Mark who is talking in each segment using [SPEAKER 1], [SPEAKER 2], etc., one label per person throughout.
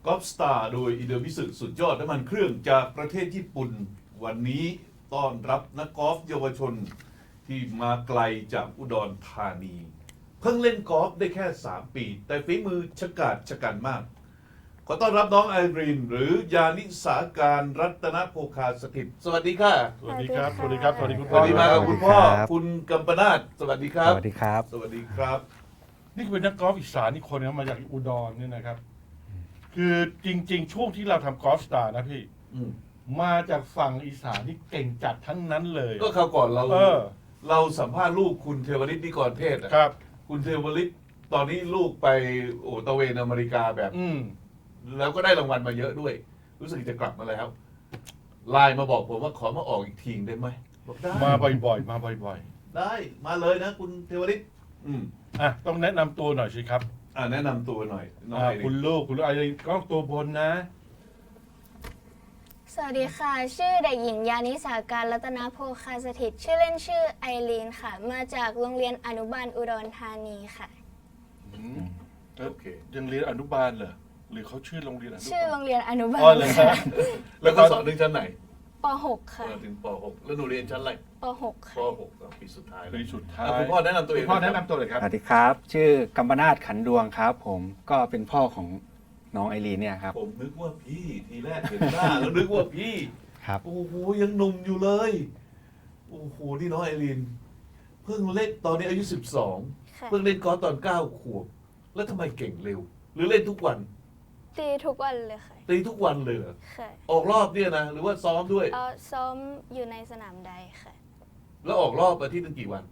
[SPEAKER 1] กอล์ฟสตาร์โดยอิเดมิสึสุดยอดน้ำมันเครื่องจากประเทศญี่ปุ่นวันนี้ต้อนรับนักกอล์ฟเยาวชนที่มาไกลจากอุดรธานี เพิ่งเล่นกอล์ฟได้แค่ 3 ปี แต่ฝีมือชะกาจชะกันมาก ขอต้อนรับน้องไอรีนหรือยานิสาการรัตนโภคาสถิตสวัสดีค่ะ
[SPEAKER 2] สวัสดีครับ สวัสดีครับ สวัสดีคุณ
[SPEAKER 1] ส
[SPEAKER 2] พ่อ
[SPEAKER 1] วัสดีมากับคุณพ่อ
[SPEAKER 3] สวัสดีครับ
[SPEAKER 1] คุณกัมปนาทสวัสดีครับ
[SPEAKER 3] สวัสดีครับ
[SPEAKER 1] สวัสดีครับ
[SPEAKER 2] นี่คือเป็นนักกอล์ฟอีสานอีกคนนะมาจากอุดรเนี่ยนะครับ คือจริง ๆ ช่วงที่เราทำกอล์ฟสตาร์นะพี่
[SPEAKER 1] อืม
[SPEAKER 2] มาจากฝั่งอีสานที่เก่งจัดทั้งนั้นเลย
[SPEAKER 1] ก็คราวก่อนเรา
[SPEAKER 2] เออ
[SPEAKER 1] เราสัมภาษณ์ลูกคุณเทวริตนิกรเทศอะ
[SPEAKER 2] ครับ
[SPEAKER 1] คุณเทวริตตอนนี้ลูกไปตะเวนอเมริกาแบบ
[SPEAKER 2] อืม
[SPEAKER 1] แล้วก็ได้รางวัลมาเยอะด้วย รู้สึกจะกลับมาแล้วไลน์มาบอกผมว่าขอมาออกอีกทีได้ไหมบอกได้
[SPEAKER 2] มาบ่อยๆ มาบ่อย
[SPEAKER 1] ได้มาเลยนะ คุณเทวริต
[SPEAKER 2] ๆ อ่ะ ต้องแนะนำตัวหน่อยสิครับ
[SPEAKER 1] แนะนำตัวหน่อยน้อง
[SPEAKER 2] อ่า
[SPEAKER 1] ไอริ
[SPEAKER 2] คุณ
[SPEAKER 1] น
[SPEAKER 2] ลูกอะไรกล้องตัวบนนะ
[SPEAKER 4] สวัสดีค่ะ ชื่อเด็กหญิงยานิสาการรัตนโภคาสถิตชื่อเล่นชื่อไอรีนค่ะ มาจากโรงเรียนอนุบาลอุดรธานีค่ะ
[SPEAKER 1] โอเค
[SPEAKER 2] ยังเรียนอนุบาลเหรอ หรือเขาชื่อโรงเรียนอนุบาล
[SPEAKER 4] ชื่อโรงเรียนอนุบา
[SPEAKER 2] อ๋อ
[SPEAKER 4] ล
[SPEAKER 2] เหรอค
[SPEAKER 4] ค่ะ
[SPEAKER 2] รับ
[SPEAKER 1] แล้วก็สอนถึงชั้นไหน
[SPEAKER 4] ป .6 ค่ะ
[SPEAKER 1] ถึงป .6 แล้วหนูเรียนชั้นอะไร
[SPEAKER 4] ป .6
[SPEAKER 1] ป
[SPEAKER 4] ค่ะ
[SPEAKER 1] .6 ปีสุดท้ายเล
[SPEAKER 2] ปี
[SPEAKER 1] ย
[SPEAKER 2] สุดท้าย
[SPEAKER 1] คุณพ่อแนะนำตัวเอง
[SPEAKER 2] คุณพ่อแนะนำตัวเลยครับ
[SPEAKER 3] สวัสดีครับ ชื่อกัมปนาทขันดวงครับ ผมก็เป็นพ่อของน้องไอรีนเนี่ยครับ
[SPEAKER 1] ผมนึกว่าพี่ทีแรกเห็นหน้า แล้วนึกว่าพี่
[SPEAKER 3] ครับ
[SPEAKER 1] โอ้โหยังหนุ่มอยู่เลย โอ้โหนี่น้องไอรินเพิ่งเล่นตอนนี้อายุ 12
[SPEAKER 4] ค่ะ
[SPEAKER 1] เพิ่งเล่นกอล์ฟตอน 9 ขวบ แล้วทำไมเก่งเร็ว หรือเล่นทุกวัน
[SPEAKER 4] ตีทุกวันเลยค่ะ
[SPEAKER 1] ตีทุกวันเลยเหรอ
[SPEAKER 4] ค่ะ
[SPEAKER 1] ออกรอบเนี่ยนะ หรือว่าซ้อมด้วย
[SPEAKER 4] ซ้อมอยู่ในสนามใดค่ะ
[SPEAKER 1] แล้วออกรอบอาทิตย์นึงกี่วัน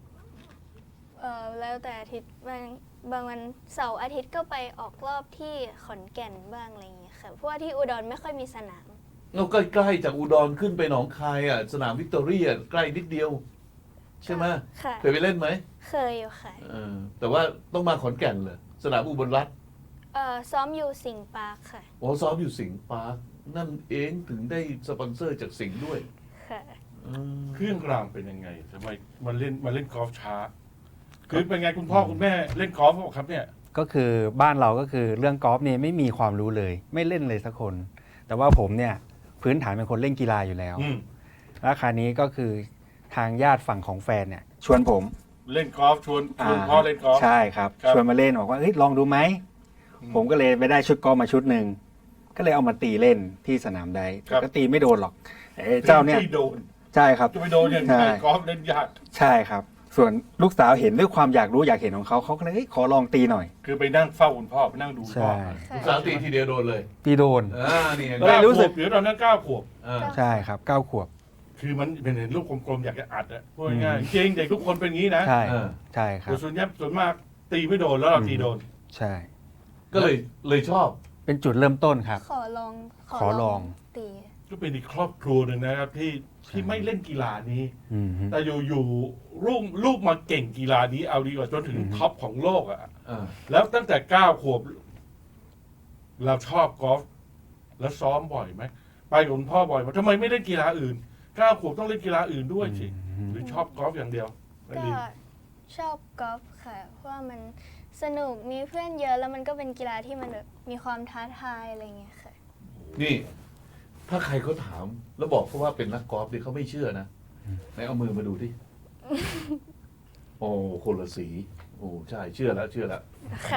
[SPEAKER 4] แล้วแต่อาทิตย์บางวันเสาร์อาทิตย์ก็ไปออกรอบที่ขอนแก่นบ้างอะไรอย่างเงี้ยค่ะ เพราะว่าที่อุดรไม่ค่อยมีสนาม
[SPEAKER 1] เราใกล้ๆจากอุดรขึ้นไปหนองคายอ่ะสนามวิกตอเรียใกล้นิดเดียว ใช่ไหม
[SPEAKER 4] ค่ะ
[SPEAKER 1] เคยไปเล่นไหม
[SPEAKER 4] เคยอยู่ค่ะ
[SPEAKER 1] แต่ว่าต้องมาขอนแก่นเลยสนามอุบลรัตน์
[SPEAKER 4] ซ้อมอยู่สิงห์ปาร์คค่ะ
[SPEAKER 1] โอ้ซ้อมอยู่สิงห์ปาร์คนั่นเองถึงได้สปอนเซอร์จากสิงห์ด้วย
[SPEAKER 4] ค่ะ
[SPEAKER 2] เครื่องรางเป็นยังไงทำไมมาเล่นกอล์ฟช้า คือเป็นไงคุณพ่อคุณแม่เล่นกอล์ฟบอกครับเนี่ย
[SPEAKER 3] ก็คือบ้านเราก็คือเรื่องกอล์ฟเนี่ยไม่มีความรู้เลย ไม่เล่นเลยสักคน แต่ว่าผมเนี่ยพื้นฐานเป็นคนเล่นกีฬาอยู่แล้ว
[SPEAKER 2] อืม
[SPEAKER 3] แล้วคราวนี้ก็คือทางญาติฝั่งของแฟนเนี่ยชวนผม
[SPEAKER 2] เล่นกอล์ฟชวนพ่อเล่นกอล์ฟ
[SPEAKER 3] ใช่ครับ
[SPEAKER 2] ครับ
[SPEAKER 3] ชวนมาเล่นบอกว่าเฮ้ยลองดูไหม ผมก็เลยไปได้ชุดกอล์ฟมาชุดหนึ่งก็เลยเอามาตีเล่นที่สนามใดแต่ก็ตีไม่โดนหรอกไอ้เจ้าเนี่ย
[SPEAKER 2] ที่โดน
[SPEAKER 3] ใช่ครับ
[SPEAKER 2] จะไปโดนอย่าง
[SPEAKER 3] ใช่
[SPEAKER 2] ไรกอล์ฟเล่นยาก
[SPEAKER 3] ใช่ครับ ส่วนลูกสาวเห็นด้วยความอยากรู้อยากเห็นของเขาเขาก็เลยเฮ้ยขอลองตีหน่อย
[SPEAKER 2] คือไปนั่งเฝ้าคุณพ่อไปนั่งดูพ่อ
[SPEAKER 3] ใช่
[SPEAKER 1] ลูกสาวตีทีเดียวโดนเลย
[SPEAKER 3] ตีโดน
[SPEAKER 1] นี่
[SPEAKER 3] ก็เลยรู้สึก
[SPEAKER 2] เดี๋ยวตอนนั้น9 ขวบ
[SPEAKER 3] ใช่ครับ9 ขวบ
[SPEAKER 2] คือมันเป็นเห็นลูกกลมๆอยากจะอัดอะพูดง่ายๆจริงเด็กทุกคนเป็นงี้นะ
[SPEAKER 3] ใช่ใช่ครับ
[SPEAKER 2] แต่ส่วนมากตีไม่โดนแล้วเราตีโดน
[SPEAKER 3] ใช่
[SPEAKER 1] ก็เลยชอบ
[SPEAKER 3] เป็นจุดเริ่มต้นครับ
[SPEAKER 4] ขอลอง
[SPEAKER 3] ขอลอง
[SPEAKER 4] ตี
[SPEAKER 2] ก็เป็นอีกครอบครัวหนึ่งนะครับที่ไม่เล่นกีฬานี้
[SPEAKER 3] อืมฮึ
[SPEAKER 2] แต่อยู่ลูกมาเก่งกีฬานี้เอาดีกว่าจนถึง
[SPEAKER 3] อือฮึ
[SPEAKER 2] ท็อปของโลกอะ
[SPEAKER 1] อ่า
[SPEAKER 2] แล้วตั้งแต่9 ขวบ เราชอบกอล์ฟแล้วซ้อมบ่อยไหมไปกับคุณพ่อบ่อยไหมทำไมไม่เล่นกีฬาอื่น9 ขวบต้องเล่นกีฬาอื่นด้วยสิ
[SPEAKER 3] อืม
[SPEAKER 2] หรือชอบกอล์ฟอย่างเดียวไม่
[SPEAKER 4] ก็
[SPEAKER 2] ดี
[SPEAKER 4] ชอบกอล์ฟค่ะ เพราะว่ามันสนุกมีเพื่อนเยอะแล้วมันก็เป็นกีฬาที่มันแบบมีความท้าทายอะไรอย่างเงี้ยค่ะ
[SPEAKER 1] นี่ ถ้าใครเขาถาม แล้วบอกเขาว่าเป็นนักกอล์ฟดิเขาไม่เชื่อนะไหนเอามือมาดูที่ โอ้คนละสี โอ้ใช่เชื่อแล้วเชื่อแล้ว
[SPEAKER 4] ค่ะ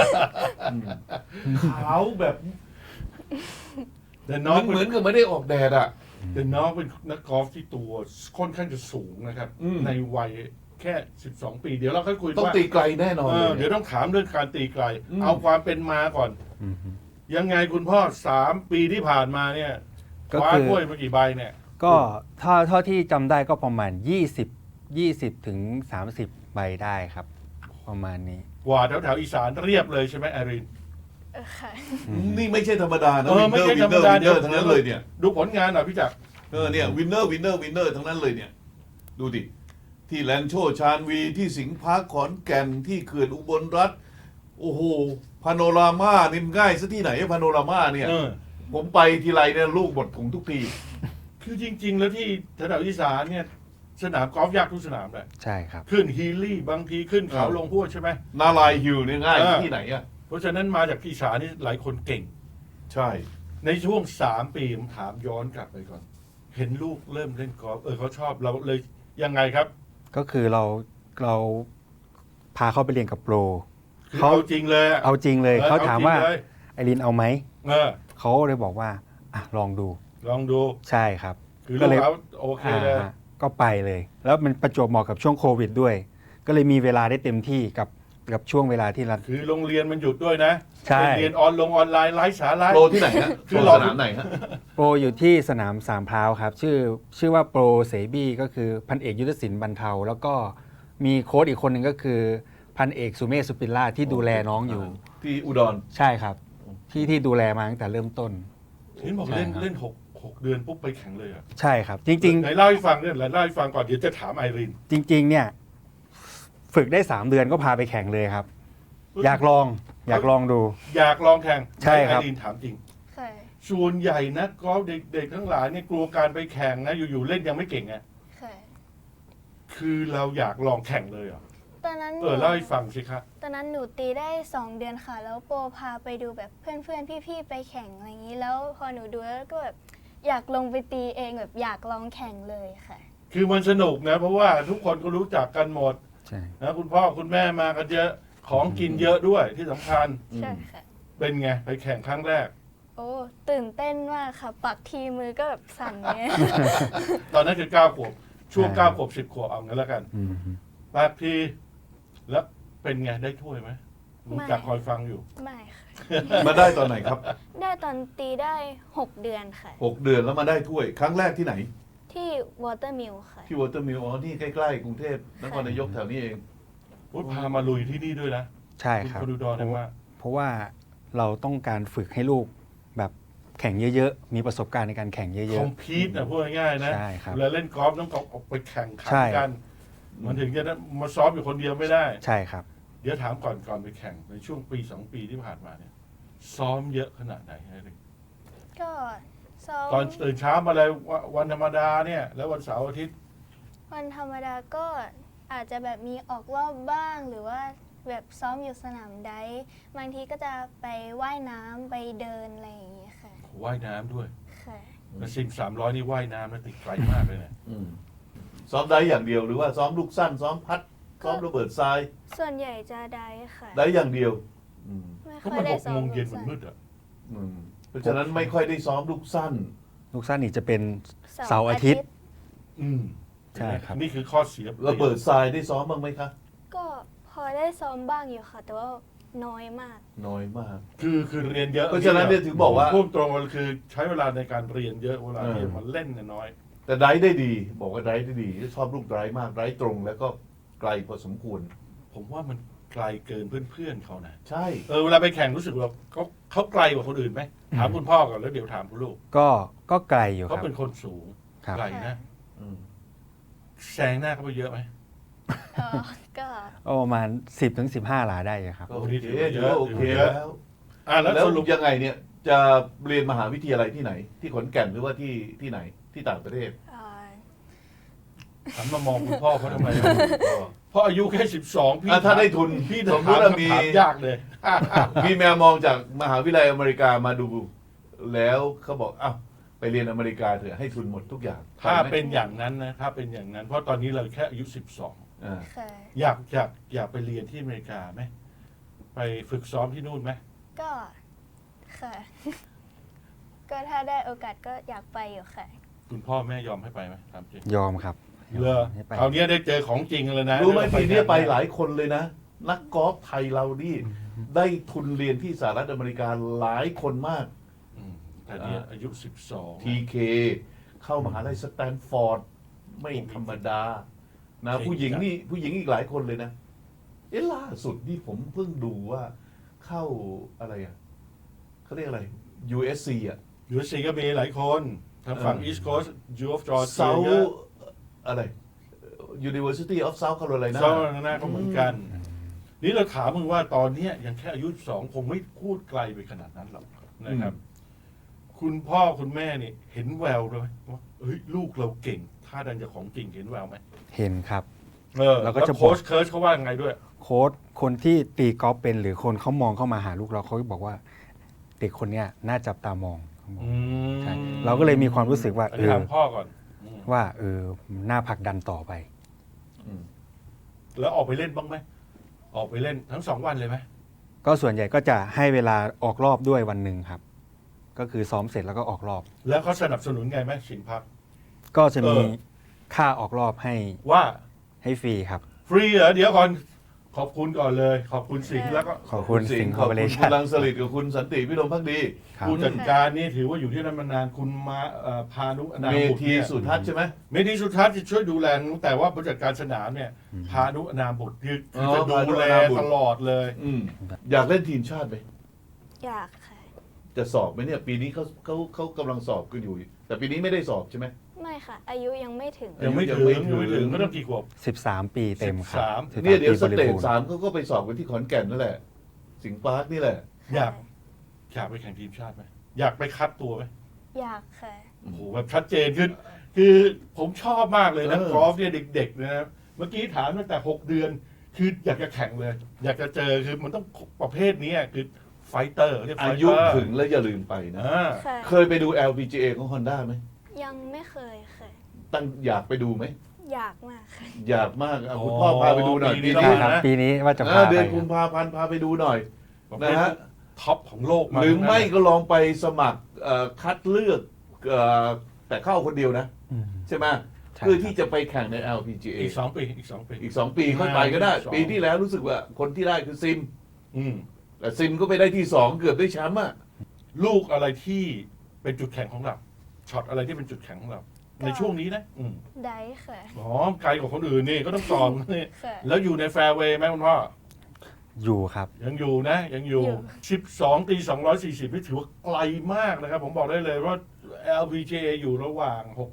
[SPEAKER 1] ขาวแบบ
[SPEAKER 2] แต่น้อง
[SPEAKER 1] เหมือนกับไม่ได้ออกแดดอ่ะ
[SPEAKER 2] แต่น้องเป็นนักกอล์ฟที่ตัวค่อนข้างจะสูงนะครับ
[SPEAKER 1] อืม
[SPEAKER 2] ในวัยแค่12 ปีเดี๋ยวเราค่อยคุย
[SPEAKER 1] ต้อง
[SPEAKER 2] ว่า
[SPEAKER 1] ตีไกลแน่นอน
[SPEAKER 2] เอ
[SPEAKER 1] เล
[SPEAKER 2] อย เดี๋ยวต้องถามเรื่องการตีไกล
[SPEAKER 1] อืม
[SPEAKER 2] เอาความเป็นมาก่อน
[SPEAKER 3] อืมฮึ
[SPEAKER 2] ยังไงคุณพ่อ3 ปีที่ผ่านมาเนี่ย
[SPEAKER 3] ก็
[SPEAKER 2] คว้า
[SPEAKER 3] คือ
[SPEAKER 2] ถ้วยมากี่ใบเนี่ย
[SPEAKER 3] ก็เท่าที่จำได้ก็ประมาณ20ถึง30 ใบได้ครับ ประมาณนี้
[SPEAKER 2] กว่าแถวอีสานเรียบเลยใช่ไหมไอริน
[SPEAKER 4] ค่ะ
[SPEAKER 1] นี่ไม่ใช่ธรรมดานะ
[SPEAKER 2] เออไม่ใช่ธรรมดา
[SPEAKER 1] วินเนอร์ทั้งนั้นเลยเนี่ย
[SPEAKER 2] ดูผลงานหน่อยพี่จักร
[SPEAKER 1] เนี่ยวินเนอร์ทั้งนั้นเลยเนี่ย ดูดิ ที่แลนโชชานวีที่สิงห์พาร์คขอนแก่นที่เขื่อนอุบลรัฐโอ้โหพาโนรามานี่มันง่ายซะที่ไหนพาโนรามาเนี่ย
[SPEAKER 2] เออ
[SPEAKER 1] ผมไปทีไรเนี่ยลูกหมดถุงทุกที
[SPEAKER 2] คือจริง ๆ แล้วที่แถวอีสานเนี่ยสนามกอล์ฟยากทุกสนามเลย
[SPEAKER 3] ใช่ครับ
[SPEAKER 2] ขึ้นฮีลี่บางทีขึ้นเขา
[SPEAKER 1] เออ
[SPEAKER 2] ลงห้วยใช่ไหม
[SPEAKER 1] นาลายฮิลเนี่ยง่าย
[SPEAKER 2] เออ
[SPEAKER 1] ที่ไหนอ่ะ
[SPEAKER 2] เพราะฉะนั้นมาจากอีสานนี่หลายคนเก่ง
[SPEAKER 1] ใช่
[SPEAKER 2] ในช่วง3 ปีผมถามย้อนกลับไปก่อน เห็นลูกเริ่มเล่นกอล์ฟเขาชอบเราเลยยังไงครับ
[SPEAKER 3] ก็คือเราพาเขาไปเรียนกับโปร
[SPEAKER 2] คือเอาจริงเลยอะ
[SPEAKER 3] เอาจริงเลยเขาถามว่า
[SPEAKER 2] อจริงเลย
[SPEAKER 3] ไอรินเอาไหม
[SPEAKER 2] เออ
[SPEAKER 3] เขาเลยบอกว่าอ่ะลองดู
[SPEAKER 2] ลองดู
[SPEAKER 3] ใช่ครับ
[SPEAKER 2] คือ
[SPEAKER 3] ก็
[SPEAKER 2] ลู
[SPEAKER 3] เล
[SPEAKER 2] ก
[SPEAKER 3] ย
[SPEAKER 2] เขาโอเคเลย
[SPEAKER 3] ก็ไปเลย แล้วมันประจวบเหมาะกับช่วงโควิดด้วย ก็เลยมีเวลาได้เต็มที่กับช่วงเวลาที่เรา
[SPEAKER 2] คือโรงเรียนมันหยุดด้วยนะ
[SPEAKER 3] ใช่
[SPEAKER 2] เป็นเรียนออนไลน์ไร้สาระ
[SPEAKER 1] โปรที่ไหนฮะ
[SPEAKER 2] คื
[SPEAKER 1] โป
[SPEAKER 2] อ
[SPEAKER 1] ร
[SPEAKER 2] เรา
[SPEAKER 1] สนามไหนฮะ
[SPEAKER 3] โปรอยู่ที่สนามสามพร้าวครับ ชื่อว่าโปรเสบี้ก็คือพันเอกยุทธศิลป์บรรเทา แล้วก็มีโค้ชอีกคนหนึ่งก็คือพันเอกสุเมธสุปิลล่าที่ดูแลน้องอยู่
[SPEAKER 1] ที่อุดร
[SPEAKER 3] ใช่ครับ ที่ดูแลมาตั้งแต่เริ่มต้น
[SPEAKER 2] เห็นบอกเล่น
[SPEAKER 3] ใช่ครับ
[SPEAKER 2] เล่นหกเดือนปุ๊บไปแข่งเลยอ่ะ
[SPEAKER 3] ใช่ครับ จริง
[SPEAKER 2] ไหนเล่าให้ฟังเนี่ยไหนเล่าให้ฟังก่อนเดี๋ยวจะถามไอริน
[SPEAKER 3] ๆ จริง ๆ เนี่ย ฝึกได้ 3 เดือนก็พาไปแข่งเลยครับ อยากลองดู
[SPEAKER 2] อยากลองแข่ง
[SPEAKER 3] ใช่ครับ
[SPEAKER 2] ไอรินถามจริง
[SPEAKER 4] เคย
[SPEAKER 2] ส่วนใหญ่นะกอล์ฟเด็กๆทั้งหลายเนี่ยกลัวการไปแข่งนะอยู่ๆเล่นยังไม่เก่งไง
[SPEAKER 4] เคย
[SPEAKER 2] คือเราอยากลองแข่งเลยเหรอ
[SPEAKER 4] ตอนนั้น
[SPEAKER 2] เล่าให้ฟังสิครับ
[SPEAKER 4] ตอนนั้นหนูตีได้ 2 เดือนค่ะ แล้วโปรพาไปดูแบบเพื่อนๆพี่ๆไปแข่งอะไรอย่างนี้ แล้วพอหนูดูแล้วก็แบบอยากลงไปตีเองแบบอยากลองแข่งเลยค่ะ
[SPEAKER 2] คือมันสนุกนะ เพราะว่าทุกคนก็รู้จักกันหมด
[SPEAKER 3] ใช่
[SPEAKER 2] นะคุณพ่อคุณแม่มากันเยอะของกินเยอะด้วยที่สำคัญ
[SPEAKER 4] ใช่ค่ะ
[SPEAKER 2] เป็นไงไปแข่งครั้งแรก
[SPEAKER 4] โอ้ตื่นเต้นมากค่ะ ปักทีมือก็แบบสั่นเงี้ย
[SPEAKER 2] ตอนนั้นคือ9 ขวบช่วง9 ขวบ 10 ขวบเอางั้นแล้วกัน
[SPEAKER 3] อืม
[SPEAKER 2] ปากทีแล้วเป็นไงได้ถ้วยไหมผม
[SPEAKER 4] ไม่
[SPEAKER 2] จากคอยฟังอยู่
[SPEAKER 4] ไม่ค่ะ
[SPEAKER 1] มาได้ตอนไหนครับ
[SPEAKER 4] ได้ตอนตีได้ 6 เดือนค่ะ
[SPEAKER 1] 6 เดือนแล้วมาได้ถ้วย ครั้งแรกที่ไหน
[SPEAKER 4] ที่วอเตอร์มิลค่ะ
[SPEAKER 1] ที่วอเตอร์มิลอ๋อนี่ใกล้ๆกรุงเทพนครนายกแถวนี้เอง
[SPEAKER 2] พูดพามาลุยที่นี่ด้วยนะ
[SPEAKER 3] ใช่ครับ
[SPEAKER 2] คุณดูดอนเนี่ยว่า
[SPEAKER 3] เพราะว่าเราต้องการฝึกให้ลูกแบบแข่งเยอะๆ มีประสบการณ์ในการแข่งเย
[SPEAKER 2] คอ
[SPEAKER 3] อะ
[SPEAKER 2] มพีตนะพูดง่ายๆนะ
[SPEAKER 3] ใช่ครับ
[SPEAKER 2] เวลาเล่นกอล์ฟต้องออกไปแข่งขัน
[SPEAKER 3] ใช่
[SPEAKER 2] กัน มันถึงจะได้มาซ้อมอยู่คนเดียวไม่ได้
[SPEAKER 3] ๆ ใช่ครับ
[SPEAKER 2] เดี๋ยวถามก่อนไปแข่งในช่วงปี2 ปีที่ผ่านมาเนี่ย ซ้อมเยอะขนาดไหนไอ้เด็ก
[SPEAKER 4] ก็ซ้อม
[SPEAKER 2] ตอนตื่นเช้ามาเลยวันธรรมดาเนี่ย แล้ววันเสาร์อาทิตย์
[SPEAKER 4] วันธรรมดาก็อาจจะแบบมีออกรอบบ้าง หรือว่าแบบซ้อมอยู่สนามไดฟ์บางทีก็จะไปว่ายน้ำไปเดินอะไรอย่างเงี้ยค่ะ
[SPEAKER 2] ว่ายน้ำด้วย
[SPEAKER 4] ค่ะ
[SPEAKER 2] แต่สิ่ง300นี่ว่ายน้ำนะติดไกลมากเลยนะ
[SPEAKER 1] ซ้อมได้อย่างเดียวหรือว่าซ้อมลูกสั้น ซ้อมพัด ซ้อมระเบิดทราย
[SPEAKER 4] ส่วนใหญ่จะไดฟ์ค่ะ
[SPEAKER 1] ได้อย่างเดียวอืม
[SPEAKER 4] ไม่
[SPEAKER 2] เพราะ
[SPEAKER 4] ค่อย
[SPEAKER 2] มัน
[SPEAKER 4] ได้
[SPEAKER 2] 6
[SPEAKER 4] ซ้อ
[SPEAKER 2] โม
[SPEAKER 4] ม
[SPEAKER 2] งเย็น
[SPEAKER 4] ลู
[SPEAKER 2] มัน
[SPEAKER 4] ก
[SPEAKER 2] มืดอ่ะ
[SPEAKER 1] อืมเพราะฉะนั้นไม่ค่อยได้ซ้อมลูกสั้น
[SPEAKER 3] ลูกสั้นนี่จะเป็น เสาร์อาทิตย์
[SPEAKER 2] อืม
[SPEAKER 3] ใช่ครับ
[SPEAKER 2] นี่คือข้อเสีย
[SPEAKER 1] ระเบิดทรายได้ซ้อมบ้างไหมคะ
[SPEAKER 4] ก็พอได้ซ้อมบ้างอยู่ค่ะ แต่ว่าน้อยมาก
[SPEAKER 1] น้อยมาก
[SPEAKER 2] คือเรียนเยอะ
[SPEAKER 1] เพราะฉะนั้นเนี่ยถึงบอกว่า
[SPEAKER 2] พูดตรงๆคือใช้เวลาในการเรียนเยอะเวลาที่
[SPEAKER 1] เออ
[SPEAKER 2] มันเล่นเนี่ยน้อย
[SPEAKER 1] แต่ไดฟ์ได้ดี บอกว่าไดฟ์ได้ดี ชอบลูกไดฟ์มากไดฟ์ตรงแล้วก็ไกลพอสมควร
[SPEAKER 2] ผมว่ามันไกลเกินเพื่อนๆเขานะ
[SPEAKER 1] ใช่
[SPEAKER 2] เวลาไปแข่งรู้สึกว่าเขาไกลกว่าคนอื่นไหมถามคุณพ่อก่อนแล้วเดี๋ยวถามคุณลูก
[SPEAKER 3] ก็ไกลอยู่ค
[SPEAKER 2] เขา
[SPEAKER 3] รับ
[SPEAKER 2] เป็นคนสูง
[SPEAKER 3] ครับ
[SPEAKER 2] ไกลนะ
[SPEAKER 1] อืม
[SPEAKER 2] แซงหน้าเขาไปเยอะไหม
[SPEAKER 4] เออก็
[SPEAKER 3] ก็ประมาณ 10-15 หลาได้อยู่ครับ
[SPEAKER 1] ก็โอเคถือว่าโอเคแล้ว
[SPEAKER 2] แล้ว
[SPEAKER 1] แล้ว
[SPEAKER 2] สรุป
[SPEAKER 1] ยังไงเนี่ย จะเรียนมหาวิทยาลัยที่ไหน ที่ขอนแก่นหรือว่าที่ไหนที่ต่างประเทศ
[SPEAKER 4] เอ่อ
[SPEAKER 2] หันมามองคุณพ่อเขาทำไมเพราะอายุแค่12พี่
[SPEAKER 1] ถ้าได้ทุน
[SPEAKER 2] พี่
[SPEAKER 1] ส
[SPEAKER 2] ถาม
[SPEAKER 1] มมติว่า
[SPEAKER 2] คำ
[SPEAKER 1] มี
[SPEAKER 2] ถามยากเลย
[SPEAKER 1] มีแมวมองจากมหาวิทยาลัยอเมริกามาดู แล้วเขาบอกอ้าวไปเรียนอเมริกาเถอะให้ทุนหมดทุกอย่าง
[SPEAKER 2] ถ้า
[SPEAKER 1] ไปไหม
[SPEAKER 2] เป็นอย่างนั้นนะถ้าเป็นอย่างนั้น เพราะตอนนี้เราแค่อายุ12
[SPEAKER 1] อ่า
[SPEAKER 4] ค่ะ
[SPEAKER 2] อยากไปเรียนที่อเมริกาไหมไปฝึกซ้อมที่นู่นไหม
[SPEAKER 4] ก็ค่ะ ก็ถ้าได้โอกาสก็อยากไปอยู่ค่ะ
[SPEAKER 2] คุณพ่อแม่ยอมให้ไปไหมถามจริง
[SPEAKER 3] ยอมครับ
[SPEAKER 2] เลอ
[SPEAKER 3] ให้ไป
[SPEAKER 2] คราวนี้ได้เจอของจริงเลยนะ
[SPEAKER 1] รู้ไหมปีนี้ไปห
[SPEAKER 2] ลาย
[SPEAKER 1] ลายคนเลยนะ นักกอล์ฟไทยเรานี่ได้ทุนเรียนที่สหรัฐอเมริกาหลายคนมาก
[SPEAKER 2] แต่เนี่ยอายุ12
[SPEAKER 1] TK เข้ามหาลัยสแตนฟอร์ดไม่ธรรมดานะ
[SPEAKER 2] เก่ง
[SPEAKER 1] ผู้หญิงนี่ผู้หญิงอีกหลายคนเลยนะล่าสุดนี่ผมเพิ่งดูว่าเข้าอะไรอ่ะเขาเรียกอะไร USC อ่ะ
[SPEAKER 2] ยูซีก็มีหลายคนทางฝั่ง East Coast U of Georgia
[SPEAKER 1] เซาอะไร University of South Carolina
[SPEAKER 2] เซาหน้าก็เหมือนกัน นี่เราถามมึงว่าตอนเนี้ยยังแค่อายุ2คงไม่พูดไกลไปขนาดนั้นหรอกนะครับ คุณพ่อคุณแม่นี่เห็นแววเลยว่าเฮ้ยลูกเราเก่ง ถ้าดันจะของจริงเห็นแววไหม
[SPEAKER 3] เห็นครับ
[SPEAKER 2] แล้ว
[SPEAKER 3] ก็จะ
[SPEAKER 2] โค้ชเคิร์ชเขาว่ายังไงด้วย
[SPEAKER 3] โค้ชคนที่ตีกอล์ฟเป็นหรือคนเขามองเข้ามาหาลูกเราเขาบอกว่าเด็กคนเนี้ยน่าจับตามองครับผม
[SPEAKER 2] อืม
[SPEAKER 3] ใช่เราก็เลยมีความรู้สึกว่า
[SPEAKER 2] อันนี้ถามพ่อก่อนม
[SPEAKER 3] ว่าน่าผลักดันต่อไป
[SPEAKER 1] อืม
[SPEAKER 2] แล้วออกไปเล่นบ้างไหมออกไปเล่นทั้ง2 วันเลยไหม
[SPEAKER 3] ก็ส่วนใหญ่ก็จะให้เวลาออกรอบด้วยวันหนึ่งครับ ก็คือซ้อมเสร็จแล้วก็ออกรอบ
[SPEAKER 2] แล้วเขาสนับสนุนไงไหมสินพัก
[SPEAKER 3] ก็จะมี
[SPEAKER 2] เออ
[SPEAKER 3] ค่าออกรอบ
[SPEAKER 2] ว่า
[SPEAKER 3] ให้ฟรีครับ
[SPEAKER 2] ฟรีเหรอเดี๋ยวก่อนขอบคุณก่อนเลย ขอบคุณสิงห์แล้วก็
[SPEAKER 3] ขอบคุณสิงห์
[SPEAKER 1] ข
[SPEAKER 3] คอ
[SPEAKER 1] อ
[SPEAKER 3] ร์
[SPEAKER 1] บ
[SPEAKER 3] ปอเร
[SPEAKER 1] คุณ
[SPEAKER 3] ชั่
[SPEAKER 1] คุ
[SPEAKER 3] น
[SPEAKER 1] ณลังสลิดกับคุณสันติพิรมพักดี
[SPEAKER 3] ครับ
[SPEAKER 2] ผู้จัดการนี่ถือว่าอยู่ที่นั่นมานานคุณมาพานุอนา
[SPEAKER 1] เม
[SPEAKER 2] บุตร
[SPEAKER 1] ที
[SPEAKER 2] เนี่ย
[SPEAKER 1] สุทัศน์ใช่ไหม
[SPEAKER 2] เมธีสุทัศน์จะช่วยดูแลแต่ว่าผู้จัดการสนามเนี่ยพานุอนาบุตรคือจะดูแลตลอดเลย
[SPEAKER 1] อืมอยากเล่นทีมชาติไหม
[SPEAKER 4] อยากค่ะ
[SPEAKER 1] จะสอบไหมเนี่ย ปีนี้เขากำลังสอบกันอยู่ แต่ปีนี้ไม่ได้สอบใช่ไหม
[SPEAKER 4] ไม่ค่ะ อายุยังไม่ถึง
[SPEAKER 2] ยังไม่ถึง
[SPEAKER 1] ยั
[SPEAKER 2] ยัง
[SPEAKER 1] งไม่
[SPEAKER 2] ไม่
[SPEAKER 1] ถึ
[SPEAKER 2] ถึง
[SPEAKER 1] ง
[SPEAKER 2] ก็ต้องกี่ขวบ
[SPEAKER 3] 13 ปีเต็มครับ
[SPEAKER 2] 13
[SPEAKER 3] 13
[SPEAKER 1] เนี่ยเดี๋ยวส
[SPEAKER 3] ปีบ
[SPEAKER 1] เต
[SPEAKER 3] ริ
[SPEAKER 1] จ
[SPEAKER 3] บูรณ์
[SPEAKER 1] 3เขาก็ไปสอบกันที่ขอนแก่นนั่นแหละ สิงห์ปาร์คนี่แหละ
[SPEAKER 2] อยากไปแข่งทีมชาติไหมอยากไปคัดตัวไหม
[SPEAKER 4] อยากค่ะ
[SPEAKER 2] โอ้โหแบบชัดเจนคือผมชอบมากเลยนะ
[SPEAKER 1] เออ
[SPEAKER 2] กอล์ฟเนี่ยเด็กๆนะเมื่อกี้ถามตั้งแต่ 6 เดือน คืออยากจะแข่งเลย อยากจะเจอคือมันต้องประเภทนี้คือไฟเตอร์เรียกไฟ
[SPEAKER 1] อา
[SPEAKER 2] เต
[SPEAKER 1] ยุ
[SPEAKER 2] อร์
[SPEAKER 1] ถึงแล้วอย่าลืมไปนะ
[SPEAKER 4] ค่ะ
[SPEAKER 1] เคยไปดู LPGA ของ Honda ไหม
[SPEAKER 4] ยังไม่เคยค่ะ
[SPEAKER 1] ตั้งอยากไปดูไหม
[SPEAKER 4] อยากมากค่ะ
[SPEAKER 1] อยากมากคุณพ่อพาไปดูหน่อยปี
[SPEAKER 3] ได้
[SPEAKER 1] นี้
[SPEAKER 3] ครับ ปีนี้ว่าจะพา
[SPEAKER 1] เดือน
[SPEAKER 3] ไป
[SPEAKER 1] กุมภาพันธ์พาไปดูหน่อย
[SPEAKER 2] ประเภท
[SPEAKER 1] นะฮะ
[SPEAKER 2] ท็อปของโลกมา
[SPEAKER 1] หรือไม่
[SPEAKER 2] ทั้งนั้น
[SPEAKER 1] ก็ลองไปสมัครคัดเลือกแต่เข้าคนเดียวนะ
[SPEAKER 3] อืม
[SPEAKER 1] ใช่ไหม
[SPEAKER 3] ใช่
[SPEAKER 1] เพื่อที่จะไปแข่งใน LPGA
[SPEAKER 2] อีก 2 ปีอีก 2 ปี
[SPEAKER 1] อีก 2 ปีค่อยไปก็ได้
[SPEAKER 2] 2
[SPEAKER 1] ปีที่แล้วรู้สึกว่าคนที่ได้คือซิม
[SPEAKER 2] อืม
[SPEAKER 1] แต่ซิมก็ไปได้ที่ 2 เกือบได้แชมป์อ่ะ
[SPEAKER 2] ลูกอะไรที่เป็นจุดแข็งของเราช็อตอะไรที่เป็นจุดแข็งของเรา
[SPEAKER 4] ก็
[SPEAKER 2] ในช่วงนี้นะ
[SPEAKER 4] ได้ค่ะ
[SPEAKER 2] อ๋อไกลกว่าคนอื่นนี่ก็ต้องสอบนี่
[SPEAKER 4] ค่ะ
[SPEAKER 2] แล้วอยู่ในแฟร์เวย์ไหมคุณพ่อ
[SPEAKER 3] อยู่ครับ
[SPEAKER 2] ยังอยู่นะ ยังอยู่
[SPEAKER 4] อยู่
[SPEAKER 2] 12 ตี 240นี่ถือว่าไกลมากนะครับ ผมบอกได้เลยว่า LPGA อยู่ระหว่าง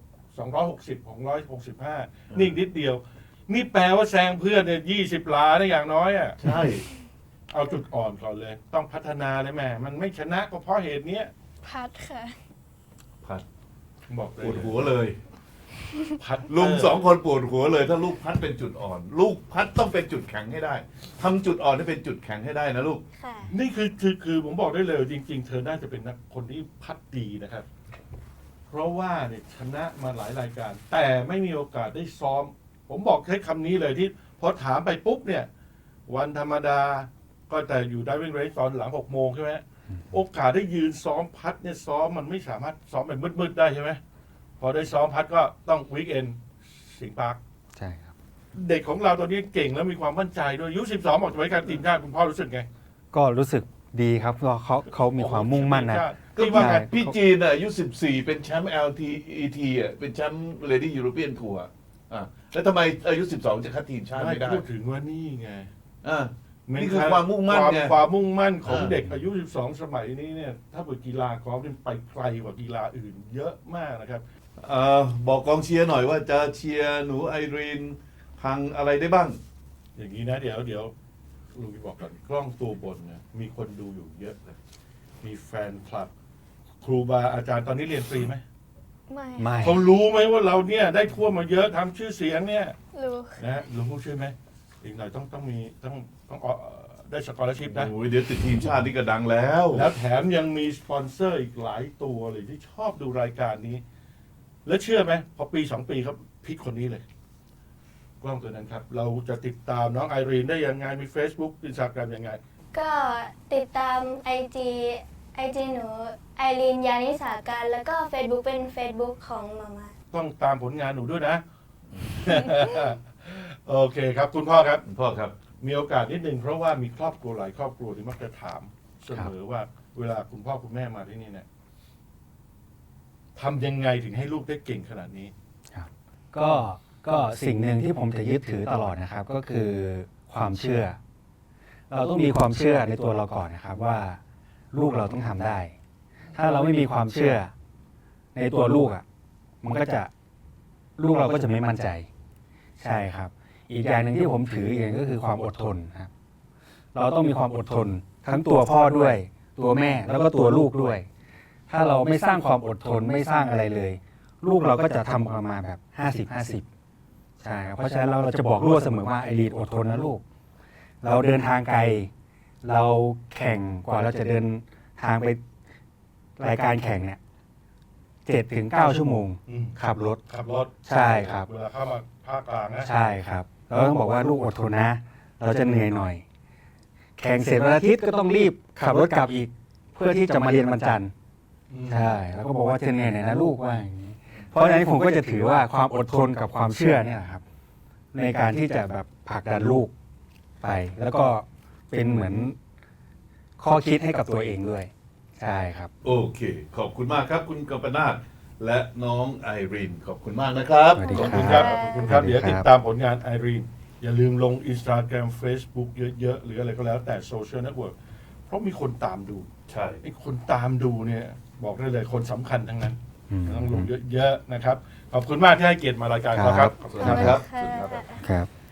[SPEAKER 2] 260 665 นี่อีกนิดเดียว นี่แปลว่าแซงเพื่อนเนี่ย20 หลาได้อย่างน้อยอ่ะ
[SPEAKER 1] ใช่
[SPEAKER 2] เอาจุดอ่อนก่อนเลย ต้องพัฒนาเลยแม่มันไม่ชนะก็เพราะเหตุเนี้ย
[SPEAKER 4] พัดค่ะ
[SPEAKER 1] พัด
[SPEAKER 2] บอกเล
[SPEAKER 1] ป
[SPEAKER 2] ยว
[SPEAKER 1] ดหัวเลย
[SPEAKER 2] พัด
[SPEAKER 1] ลุง2 คนปวดหัวเลย ถ้าลูกพัดเป็นจุดอ่อน ลูกพัดต้องเป็นจุดแข็งให้ได้ทำจุดอ่อนให้เป็นจุดแข็งให้ได้นะลูก
[SPEAKER 4] ค่ะ
[SPEAKER 2] นี่คือผมบอกได้เลยจริง ๆ เธอน่าจะเป็นนักคนที่พัดดีนะครับ เพราะว่าเนี่ยชนะมาหลายรายการ แต่ไม่มีโอกาสได้ซ้อม ผมบอกใช้คำนี้เลยที่พอถามไปปุ๊บเนี่ย วันธรรมดาก็แต่อยู่ได้วิ่งเรสตอนหลัง6 โมงใช่ไหมโอกาสได้ยืนซ้อมพัดเนี่ยซ้อมมันไม่สามารถซ้อมแบบมืดๆได้ใช่ไหมพอได้ซ้อมพัดก็ต้องวีคเอนสิงห์ปาร์ค
[SPEAKER 3] ใช่ครับ
[SPEAKER 2] เด็กของเราตอนนี้เก่งแล้วมีความมั่นใจด้วยอายุ12บอกจะไปการทีมชาติคุณพ่อรู้สึกไง
[SPEAKER 3] ก็รู้สึกดีครับเพราะเขามีความมุ่งมั่นนะ
[SPEAKER 1] ก็
[SPEAKER 2] ที่ว่าไง
[SPEAKER 1] พี่จีนอายุ 14 เป็นแชมป์ LTET อ่ะเป็นแชมป์ Lady European Tour อ่ะแล้วทำไมอายุ 12 จะคัดทีมชาติ
[SPEAKER 2] ไม่
[SPEAKER 1] ไม่ได้
[SPEAKER 2] พูดถึงว่านี่ไง
[SPEAKER 1] อ่ะ นี่คือความมุ่งมั่นไง
[SPEAKER 2] ความมุ่งมั่นของ
[SPEAKER 1] อ่า
[SPEAKER 2] เด็กอายุ 12 สมัยนี้เนี่ย ถ้าเปิดกีฬากอล์ฟนี่ไปไกลกว่ากีฬาอื่นเยอะมากนะครับ
[SPEAKER 1] บอกกองเชียร์หน่อยว่าจะเชียร์หนูไอรีนทางอะไรได้บ้าง
[SPEAKER 2] อย่างนี้นะเดี๋ยวลุงจะบอกก่อนกล้องตัวบนเนี่ยมีคนดูอยู่เยอะเลย มีแฟนคลับ ครูบาอาจารย์ตอนนี้เรียนฟรีไหม
[SPEAKER 4] ไม่
[SPEAKER 3] ไม่
[SPEAKER 2] เขารู้ไหมว่าเราเนี่ยได้ทั่วมาเยอะทำชื่อเสียงเนี่ย
[SPEAKER 4] รู้
[SPEAKER 2] นะรู้ใช่ไหมอีกหน่อยต้องมีต้องได้สกอร์ชิพนะ
[SPEAKER 1] โอ้ยเดี๋ยวติดทีมชาตินี่ก็ดังแล้ว
[SPEAKER 2] แล้วแถมยังมีสปอนเซอร์อีกหลายตัวเลยที่ชอบดูรายการนี้ แล้วเชื่อไหมพอปี 2 ปีครับพลิกคนนี้เลย กล้องตัวนั้นครับ เราจะติดตามน้องไอรีนได้ยังไง มี Facebook Instagram ยังไง
[SPEAKER 4] ก็ติดตาม IG หนูไอรีนยานิสาการแล้วก็ Facebook เป็น Facebook ของมาม่า
[SPEAKER 2] ต้องตามผลงานหนูด้วยนะ โอเคครับ คุณพ่อครับ
[SPEAKER 1] พ่อครับ
[SPEAKER 2] มีโอกาสนิดนึงเพราะว่ามีครอบครัวหลายครอบครัวที่มักจะถามเสมอว่า เวลาคุณพ่อคุณแม่มาที่นี่เนี่ยทำยังไงถึงให้ลูกได้เก่งขนาดนี้
[SPEAKER 3] ก็สิ่งหนึ่งที่ผมจะยึดถือตลอดนะครับ ก็คือความเชื่อ เราต้องมีความเชื่อในตัวเราก่อนนะครับ ว่าลูกเราต้องทำได้ ถ้าเราไม่มีความเชื่อในตัวลูกอ่ะมันก็จะลูกเราก็จะไม่มั่นใจ ใช่ครับ อีกอย่างหนึ่งที่ผมถืออย่างก็คือความอดทนครับ เราต้องมีความอดทน ทั้งตัวพ่อด้วย ตัวแม่แล้วก็ตัวลูกด้วย ถ้าเราไม่สร้างความอดทนไม่สร้างอะไรเลย ลูกเราก็จะทำออกมาแบบ50-50ใช่ครับเพราะฉะนั้นเราจะบอกลูกเสมอว่าไอรีนอดทนนะลูก เราเดินทางไกล เราแข่งกว่าเราจะเดินทางไปรายการแข่งเนี่ย7-9 ชั่วโมง
[SPEAKER 2] อืม
[SPEAKER 3] ขับรถ
[SPEAKER 2] ขับรถ
[SPEAKER 3] ใช่ครับ
[SPEAKER 2] เวลาเข้ามาภาคกลางนะ
[SPEAKER 3] ใช่ครับเราต้องบอกว่าลูกอดทนนะ เราจะเหนื่อยหน่อย แข่งเสร็จวันอาทิตย์ก็ต้องรีบขับรถกลับอีก เพื่อที่จะมาเรียนวันจันทร์
[SPEAKER 2] อืม
[SPEAKER 3] ใช่ แล้วก็บอกว่าจะเหนื่อยหน่อยนะลูกว่าอย่างนี้ เพราะฉะนั้นผมก็จะถือว่าความอดทนกับความเชื่อเนี่ยครับ ในการที่จะแบบผลักดันลูกไป แล้วก็เป็นเหมือนข้อคิดให้กับตัวเองด้วย ใช่ครับ
[SPEAKER 1] โอเค ขอบคุณมากครับ คุณกัมปนาทและน้องไอรีนขอบคุณมากนะครับ
[SPEAKER 3] สวัสดี
[SPEAKER 2] ขอบคุณครับ ขอบคุณครับ
[SPEAKER 3] สวัสดี
[SPEAKER 2] เดี๋ยว
[SPEAKER 3] ครับ
[SPEAKER 2] ติดตามผลงานไอรีนอย่าลืมลง Instagram Facebook เยอะๆ หรืออะไรก็แล้วแต่โซเชียลเน็ตเวิร์กเพราะมีคนตามดู
[SPEAKER 1] ใช่
[SPEAKER 2] ไอ้คนตามดูเนี่ย บอกได้เลยคนสำคัญทั้งนั้น
[SPEAKER 3] อืม
[SPEAKER 2] ต้องลงเยอะๆนะครับ ขอบคุณมากที่ให้เกียรติมารายการเราครับ
[SPEAKER 3] ครับ
[SPEAKER 2] ขอบคุณมากครับ
[SPEAKER 4] ขอบคุณค่ะ
[SPEAKER 3] ครับ